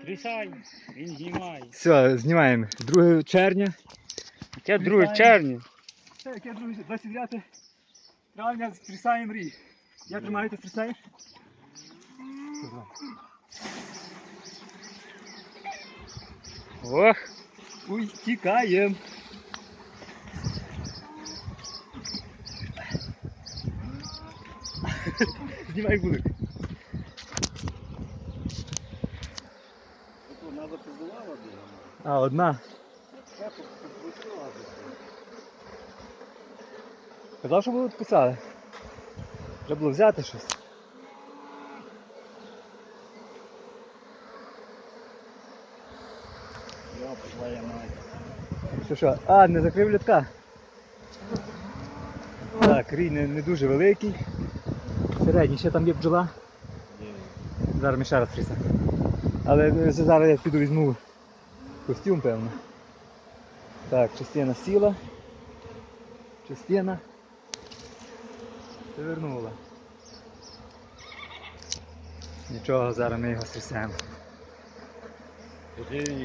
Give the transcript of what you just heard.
Трясай, він знімає. Все, знімаємо. 2 червня. Яке 2 червня? Це яке 29 травня стрісаємо рій. Як тримаю, ти стрісаєш? Ох, Ой, тікаємо. Знімай вулик. вона запіздувала бігом. А, одна. Казав, що було відписали. Треба було взяти щось. Йоп, твоя мать. Що? А, не закрив літка. Так, рій не дуже великий. Середній, ще там є бджола. Зараз ми ще раз трясемо. Але зараз я піду візьму костюм, певно. Так, частина сіла. Частина повернула. Нічого, зараз ми його стрясемо.